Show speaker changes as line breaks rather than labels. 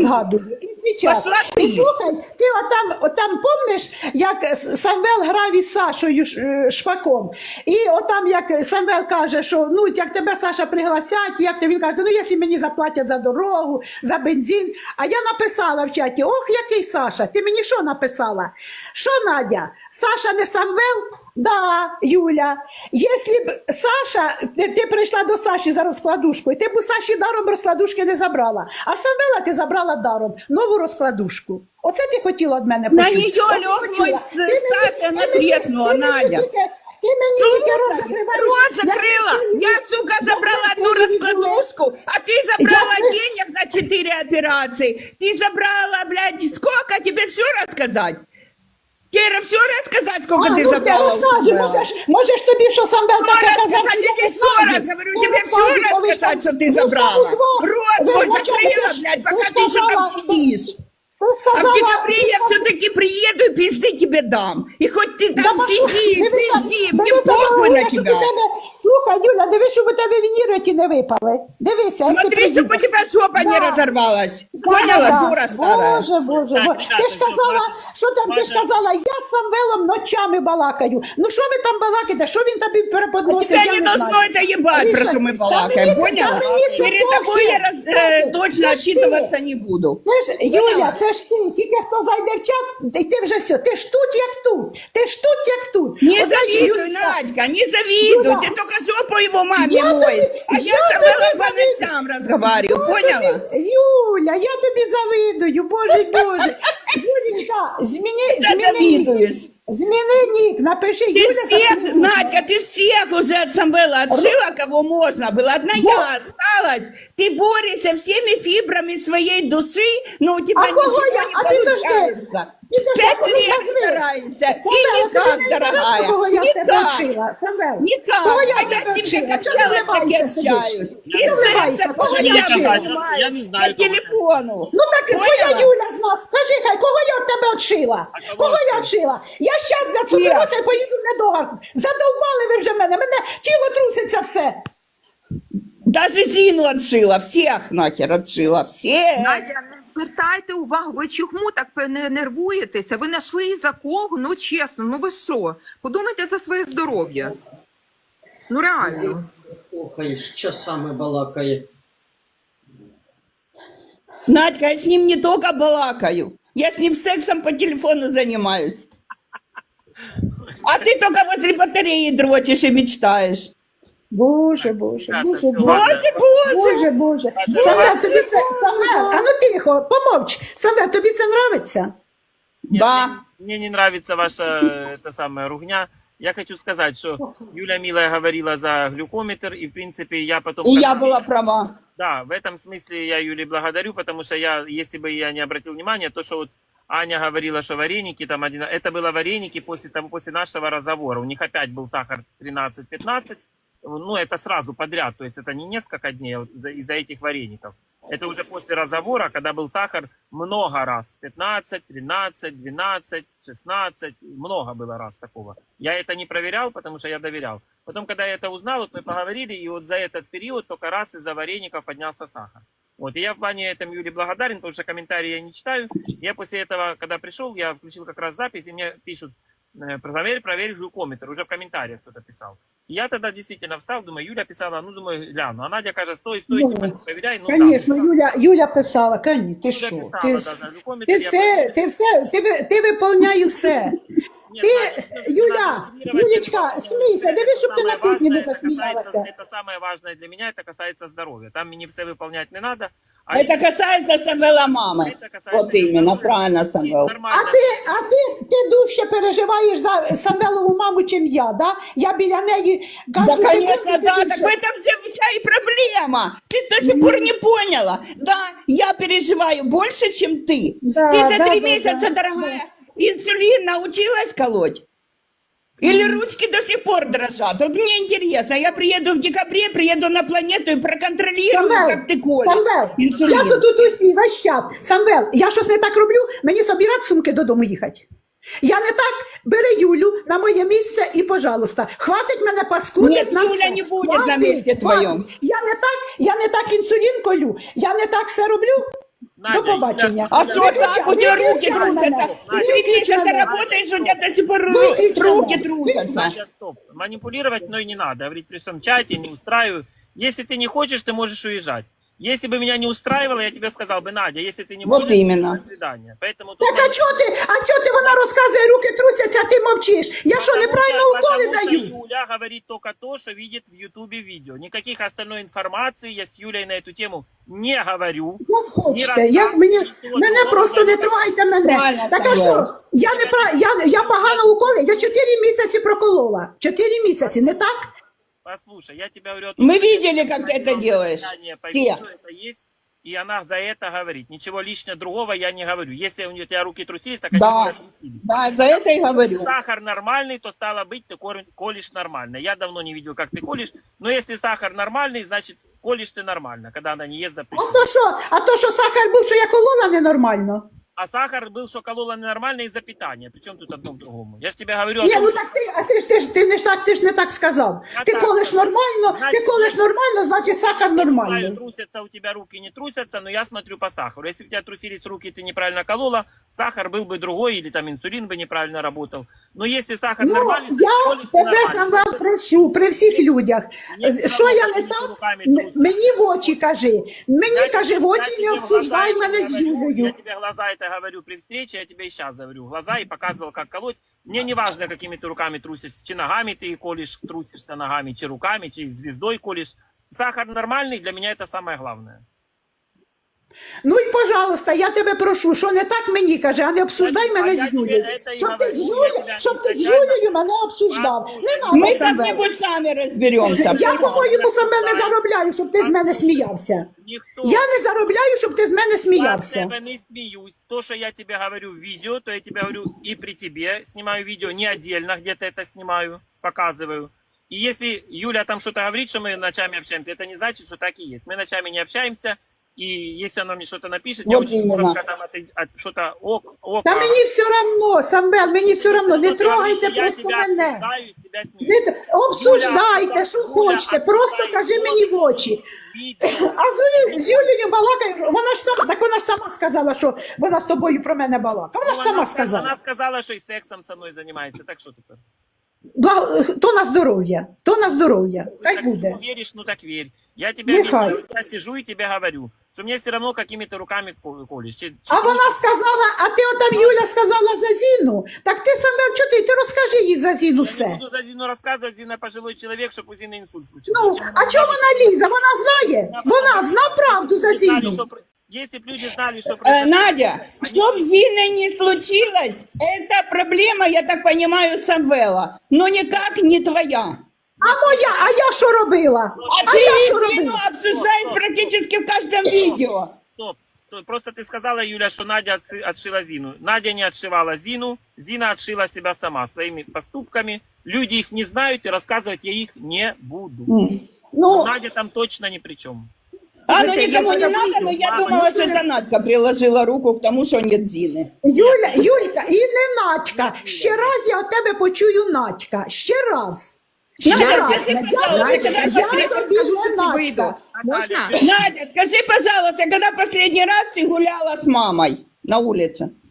згадую. І зараз.
Пошла
І
ти.
слухай, ти отам помниш, як Самвел грав із Сашою Шпаком. І отам, як Самвел каже, що ну, як тебе, Саша, пригласять, як ти, він каже, ну, якщо мені заплатять за дорогу, за бензин. А я написала в чаті, ох, який Саша, ти мені що написала? Що, Надя, Саша не Самвел? Да, Юля. Якщо б Саша, ти прийшла до Саші за розкладушкою, ти б у Саші даром розкладушки не забрала. А Самвела ти забрала даром нову розкладушку. Оце ти хотіла від мене почути.
На нее лег мой Стася, она треснула, Надя.
Ти мені тільки рот
Слушай,
закриваєш.
рот закрыла. Я, сука, забрала одну раскладушку, а ты забрала денег на 4 операции. Ты забрала, блядь, сколько тебе все рассказать? Тебе все рассказать, сколько ты забрала?
Можеш тобі, що Самвел таке казав?
Я тебе еще раз говорю, тебе все рассказать, что ты забрала. Рот свой закрыла, блядь, пока ты еще там сидишь. А в декабре я все-таки приеду и пизды тебе дам. И хоть ты там сиди, пизди, мне похуй на тебя.
Слухай, Юля, дивись, щоб у тебе вініроті не випали. Дивися, як ти
Смотри, чтобы у
приїдеш.
тебя жопа не разорвалась. Поняла, дура старая?
Боже, Боже, Боже. Ти ж казала, що там, ти ж казала, я з Самвелом ночами балакаю. Ну що ви там балакаєте, що він тобі переподносить,
Тебя
я
не
не
должно
знаю.
это ебать, про что мы балакаем, поняла? Перед тобой я точно отчитываться не буду.
Це ж, Юля, це ж ти, тільки хто зайде в чат, і ти вже все, ти ж тут, як тут, ти ж тут, як тут.
Не
От, знаєш,
завидуй,
Юлечка,
Надька, не завидуй.
Юля,
Ты только жопу его маме
я
моешь.
тобі-
А я
я
с тобой
тобі
по ночам разговариваю, поняла?
Юля, я тобі завидую, Боже, Боже. Юлечка, зміни нік, напиши,
Ты
Юля.
всех, Надька, ты всех уже от Самвела отшила, кого можно было. Одна я осталась. Ты борешься всеми фибрами своей души, но у тебя
А кого
ничего
я?
не
А ты
получается.
Підожди,
5
кого
лет
назви?
стараемся. И
Самвел,
никак,
ти мені
дорогая.
знаєш, кого я в тебе
Никак.
вчила? Самвел,
Никак.
кого я
А
в тебе
я с ним
вчила?
как
Чого ти
общалась, так и
вливаєшся сидиш?
общаюсь.
Не вливайся, кого я вчила?
Я не знаю,
По
кого ты.
телефону.
Ну так і твоя
Поняла?
Юля з нас. Скажи, хай, кого я від тебе вчила?
А кого
Кого я
вчила?
вчила? Я щас для цукрося і поїду в недогарку. Задовбали ви вже мене тіло труситься все.
Даже Зину отшила, всех нахер отшила, всех.
Надя, не звертайте увагу, ви чому так не нервуєтеся? Ви знайшли і за кого? Ну чесно, ну ви що? Подумайте за своє здоров'я. Ну реально.
Слухай, часами балакає.
Надька, я с ним не только балакаю, я с ним сексом по телефону занимаюсь. А ты только возле батареи дрочишь и мечтаешь.
Боже, Боже,
Так,
Боже,
все,
Боже.
ладно.
Боже, Боже. Самвел, тобі це, Самвел, а ну тихо, помовч. Самвел, тобі це нравиться?
Нет,
Да.
мне не нравится ваша эта самая ругня. Я хочу сказать, что Юля Милая говорила за глюкометр, и в принципе я потом...
И я была права.
Да, в этом смысле я Юле благодарю, потому что я, если бы я не обратил внимания, то, что вот Аня говорила, что вареники там один... Это было вареники после нашего разговора. У них опять был сахар 13-15. Ну, это сразу подряд, то есть это не несколько дней из-за этих вареников. Это уже после разговора, когда был сахар много раз. 15, 13, 12, 16. Много было раз такого. Я это не проверял, потому что я доверял. Потом, когда я это узнал, вот мы поговорили, и вот за этот период только раз из-за вареников поднялся сахар. Вот, и я в плане этом Юле благодарен, потому что комментарии я не читаю. Я после этого, когда пришел, я включил как раз запись, и мне пишут, проверь глюкометр, уже в комментариях кто-то писал. И я тогда действительно встал, думаю, Юля писала, ну, думаю, гляну. А Надя каже, стой, типа, проверяй. Ну,
Конечно,
да.
Юля писала, конечно, ти
Юля
що?
писала,
Ти,
да, за глюкометр.
ти
я
все, ти виповняєш все.
Нет,
Ти,
Надя, не
Юля,
надо игнорировать
Юлечка,
это.
смійся, дивись, щоб ти на
Самое
кухні не
важное,
засміялася.
это самое важное для меня, это касается здоровья. Там мне все выполнять не надо.
Это касается Самвела мамы.
Это касается
Вот именно,
здоровья.
правильно,
И
Самвел.
нормально.
ти дужче переживаєш за Самвелову маму, чим я, да? Я біля неї
Да,
кожну
конечно,
секунду
да,
більше.
так в этом вся и проблема. Ты до сих пор не поняла. Да, я переживаю больше, чем ты.
Да,
Ты за
да,
3
да,
месяца,
да,
дорогая, инсулин научилась колоть? Или ручки до сих пор дрожат? Вот мне интересно, я приеду в декабре, приеду на планету и проконтролирую, как ты колешь
Самвел,
инсулин.
я тут усі, весь чат. Самвел, я щось не так роблю, мені собирати сумки додому їхати. Я не так, бери Юлю на моє місце і, пожалуйста, хватить мене паскудить
Нет,
на
Юля
все.
не будет на месте твоем.
Я не так інсулін колю, я не так все роблю.
Надя,
До побачення.
А что так? У тебя руки
Виключи мене.
трусятся. Ты 3
Виключи
месяца
мене.
работаешь, у тебя до сих пор
Выключи
руки
меня.
трусятся.
Надя, стоп. Манипулировать мной не надо. Говорить при всем чате, не устраиваю. Если ты не хочешь, ты можешь уезжать. Если бы меня не устраивало, я тебе сказал бы, Надя, если ты не
Вот
можешь,
именно.
до свидания. Поэтому тут
Так а чого ти вона розказує, руки трусяться, а ти мовчиш? Я що, неправильно уколи
потому что
даю?
Юля говорит только то, что видит в Ютубе видео. Никаких остальной информации я с Юлей на эту тему не говорю.
Як хочете, як мене просто не трогайте мене.
Правильно,
Так а
Самвел.
що? Я погано уколи, я 4 місяці проколола. 4 місяці, не так?
Послушай, я тебя говорю...
Мы видели, как ты это делаешь.
По
Все.
видео это есть, и она за это говорит. Ничего лишнего другого я не говорю. Если у тебя руки трусились, так они
Да.
у тебя трусились.
Да, за это и говорю.
Если сахар нормальный, то стало быть, ты колешь нормально. Я давно не видел, как ты колешь, но если сахар нормальный, значит, колешь ты нормально, когда она не ест запрещено.
А то що сахар був, що я колола ненормально?
А сахар был, что колола ненормально из-за питания. Причем тут одно к другому? Я же тебе говорю о
Ні,
том,
ну
что...
так ти ж не так сказав.
Я
Ти
так
колиш
сказав.
нормально, ти
Значить,
колиш нормально, значить сахар
Не знаю,
нормальний.
трусятся у тебя руки, не трусятся, но я смотрю по сахару. Если у тебя трусились руки, ты неправильно колола, сахар был бы другой, или там инсулин бы неправильно работал. Но если сахар
Ну,
нормальный, то
я
колешь ты
тебе,
нормально.
Самвел, прошу при всіх людях.
Мені все
Що
равно,
я не
какими
так?
руками трусишь.
Мені в очі кажи. Мені
Я
кажи в
тебе-
очі,
я
не
тебе в
обсуждай
глаза
мене
это
з
говорю, Я
Юлею.
тебе глаза это говорю при встрече, я тебе и сейчас говорю в глаза и показывал, как колоть. Мне не важно, какими ты руками трусишь, чи ногами ты колешь, трусишься ногами, чи руками, чи звездой колешь. Сахар нормальный, для меня это самое главное.
Ну і, пожалуйста, я тебе прошу, що не так мені каже, а не обсуждай
А
мене
я
з
тебе
Юлею.
это и
Щоб ти з
говорю, я
Юлею,
тебя
щоб ти з
изначально-
Юлею мене обсуждав.
Послухай,
Не надо,
Мы
Самвел.
как-нибудь сами разберемся.
Я, по-моєму, саме не заробляю, щоб ти з мене сміявся.
Никто.
Я не заробляю, щоб ти з мене
Я с
сміявся.
тебя не смеюсь. То, что я тебе говорю в видео, то я тебе говорю и при тебе. Снимаю видео не отдельно, где-то это снимаю, показываю. И если Юля там что-то говорит, что мы ночами общаемся, это не значит, что так и есть. Мы ночами не общаемся, и если она мне что-то напишет, я
Вот
очень
именно.
коротко там что-то ок.
Та мені все равно, Самвел, мені все равно, не трогайте
Я
просто
тебя
мене.
обсуждаю, с тебя смеюсь.
Не обсуждайте, що
Юля,
хочете, просто
обсуждай
кажи мені в очі.
Видео.
А з Юлією балакає, вона ж сама сказала, що вона з тобою про мене балакає. Вона ж сама
Она
сказала.
сказала, что и сексом со мной занимается. Так что теперь?
То на здоров'я, то на здоров'я. Хай
Так
буде.
ну, веришь, ну так верь. Я тебе
Нехай.
объясняю, я сижу и тебе говорю, что мне все равно какими-то руками колешь.
А вона сказала, а ти отам Юля сказала за Зіну. Так ти Самвел, чого ти розкажи їй за Зіну
Я
все.
не буду за Зину рассказывать, Зина пожилой человек, чтобы у Зины инсульт случился.
Ну,
Зачем
а
она
чого
говорит?
вона лізе? Вона знає. Вона зна правду за
Если знали,
Зіну.
что Если бы люди знали, что
Надя, чтоб с Зиной не случилось, это проблема, я так понимаю, Самвела, но никак не твоя.
А я що робила?
А
я
ты
що
Зину
робила?
обсуждаешь практически в каждом видео.
Стоп. Просто ты сказала, Юля, что Надя отшила Зину. Надя не отшивала Зину. Зина отшила себя сама своими поступками. Люди их не знают, и рассказывать я их не буду.
Ну,
Надя там точно ни при чем.
Ну
Это
никому
я
не надо, но я
Мама,
думала,
ну
что
что
это Надька приложила руку к тому, что нет Зины.
Юлька, і не Надька. Ще раз я від тебе почую Надька. Ще раз.
Надя, скажи, пожалуйста,
Надя,
когда
я
последний-
тобі
скажу,
не
що це
Надька.
вийде. Можна?
Надя, скажи, пожалуйста, когда последний раз ты гуляла с мамой на улице?